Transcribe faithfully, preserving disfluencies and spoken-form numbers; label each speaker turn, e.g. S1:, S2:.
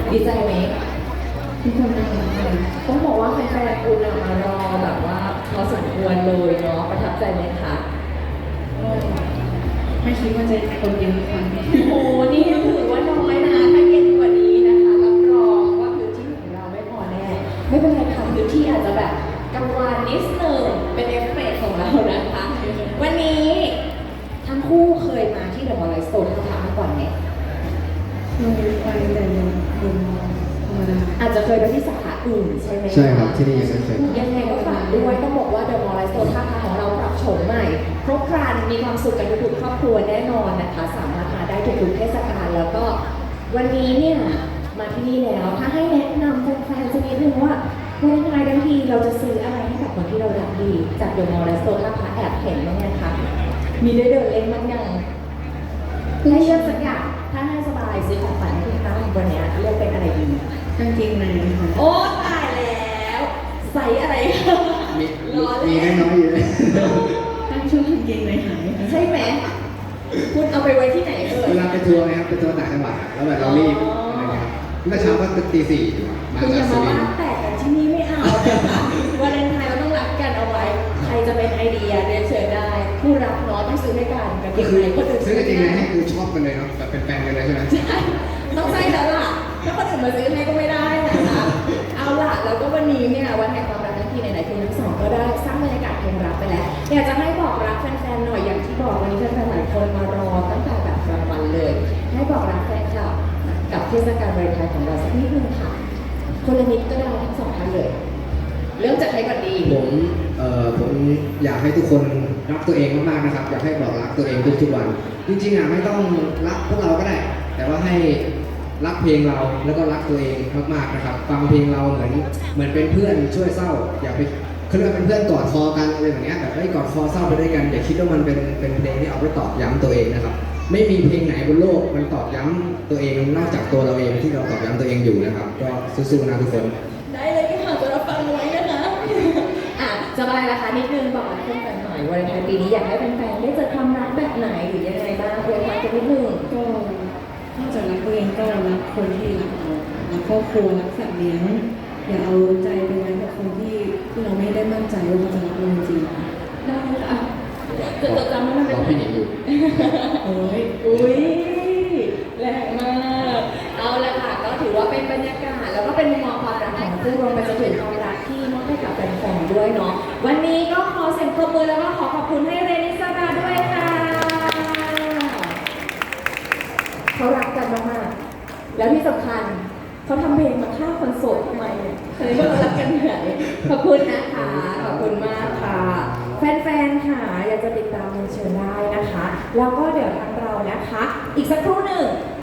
S1: ดีใจไหม
S2: ที่ทำงานอะไร
S1: ต้องบอกว่าแฟนๆคุณอะมารอแบบว่าพอสมควรเลยเนาะประทับใจไหมคะ
S2: ก็ไม่คิดว่าจะคนเยอะขนาดนี้
S1: โอ้โหนี่ยังถือว่าน้อยนะถ้าเย็นกว่านี้นะคะรับรองว่าพื้นที่ของเราไม่พอแน่ไม่เป็นไรค่ะพื้นที่อาจจะแบบกังวานนิดหนึ่งเป็นเอฟเฟกต์ของเรานะคะวันนี้ทั้งคู่เคยมาที่เดอะมอลล์สโตร์ท่าพระมาก่อนไหม
S2: เคยไปแต่ยังเป็นธรรมดา
S1: อาจจะเคยไปที่สาขาอื่นใช่ไหม
S3: ใช่ครับที่นี่ยังไม่เคย
S1: ยังไงก็ฝากด้วยต้องบอกว่าเดอะมอลล์สโตร์ท่าพระของเราปรับโฉมใหม่ครบครันมีความสุขกันทุกๆครอบครัวแน่นอนนะคะสามารถมาได้ทุกๆเทศกาลแล้วก็วันนี้เนี่ยมาที่นี่แล้วถ้าให้แนะนำแฟนๆสักนิดนึงว่าวันไงบางทีเราจะซื้ออะไรให้กับคนที่เรารักดีจากเดอะมอลล์สโตร์ท่าพระแอบเห็นบ้างไหมคะมีได้เดินเล่นบ้างยังให้เลือกสักอย่างถ้าให้สบายซื้อของฝันให้คุณตั้งวันนี้เลือกเป็นอะไรดี
S2: กางเกงในค่ะ
S1: โอ้ตายแล้วใส่อะไร
S3: มี
S1: รอเลย
S3: มีน้อยๆอยู่เลย
S2: ตั้งชื่อกางเกงในหาย
S1: ใช่ไหมคุณเอาไปไว้ที่ไหนเอ่ย
S3: เวลาไปทัวร์นะครับไปทัวร์ต่างจังหวัดแล้วแบบเรารีบอะไรเงี้ยเมื่อเช้าก็ตีสี่มา
S1: คุณอ
S3: จาก
S1: ย่า
S3: สุ
S1: มา
S3: ริน
S1: ว่า
S3: ทร์
S1: แตกกันที่นี่ไม่เอานะคะวาเลนไทน์เราต้องรักกันเอาไว้ใครจะเป็นไอเดียเรียนเชิญได้ผู้รักเนาะต้องซื้อให้กันกับ
S3: ก็
S1: เกง
S3: คือ
S1: ในคนอื่น
S3: ซื้อกางเกงในให้คือชอบกันเลยเนาะแบบเป็นแฟนกันเลยใช่ไหม
S1: ใช่ต้องใช่แล้วล่ะถ้าคนอื่นมาซื้อให้ก็ไม่ได้นะคะเอาล่ะแล้วก็วันนี้เนี่ยวันแห่งความรักทั้งทีไหนๆคุณทั้งสองก็ได้สร้างบรรยากาศเพลงรักไปแล้วอยากจะให้บอกรักแฟนๆหน่อยอย่างที่บอกวันนี้แฟนๆหลายคนมารอตั้งแต่แบบกลางวันเลยให้บอกรักแฟนคลับกับเทศกาลวาเลนไทน์ของเราสักนิดนึงค่ะคนละนิดก็ได้ทั้งสองท่านเลยเริ่มจากใครก่อนดี
S3: ผมเอ่อผมอยากให้ทุกคนรักตัวเองมากๆนะครับอยากให้บอกรักตัวเองทุกๆวันจริงๆอ่ะไม่ต้องรักพวกเราก็ได้ แต่ว่าให้รักเพลงเราแล้วก็รักตัวเองมากๆนะครับฟังเพลงเราเหมือนเหมือนเป็นเพื่อนช่วยเศร้าอย่าไปคือเราเป็นเพื่อนกอดคอกันอะไรแบบนี้แบบไอ้กอดคอเศร้าไปด้วยกันอย่าคิดว่ามันเป็นเป็นเพลงที่เอาไปตอกย้ำตัวเองนะครับไม่มีเพลงไหนบนโลกมันตอกย้ำตัวเองนอกจากตัวเราเองที่เราตอกย้ำตัวเองอยู่นะครับก็สู้ๆนะทุกคน
S1: ได้เลยค่ะจะรับฟังไว้นะคะอ่ะสบายละคะนิดนึงบอกรักแฟนๆหน่อยวาเลนไทน์ปีนี้อยากให้แฟนๆได้เจอความรักแบบไหนหรือยังไงบ้างอวยพรกันนิดนึง
S2: ก็นอกจากรักตัวเองก็รักคนที่รักเรารักครอบครัวรักสัตว์เลี้ยงอย่าเอาใจไปไว้กับคนที่ที่เราไม่ได้มั่นใจว่าเขาจะรักเราจริง
S1: ได้ค่ะจะจดจำไว้มันเป็น
S3: พี่หนิงอยู่
S1: โอ้ยอุ้ยแรงมากเอาละค่ะก็ถือว่าเป็นบรรยากาศแล้วก็เป็นมุมมองความรักของคู่รวมไปจนถึงความรักที่มอบให้กับแฟนๆด้วยเนาะวันนี้ก็ขอเสียงปรบมือแล้วก็ขอขอบคุณให้เรนิสดาด้วยค่ะเขารักกันมากๆแล้วที่สำคัญเขาทำเพลงมาฆ่าคนโสดทำไมเนี่ยเคยว่าเรารักกันไหนขอบคุณนะคะขอบคุณมากค่ะแฟนๆค่ะอยากจะติดตามเชิญได้นะคะแล้วก็เดี๋ยวทางเรานะคะอีกสักครู่หนึ่ง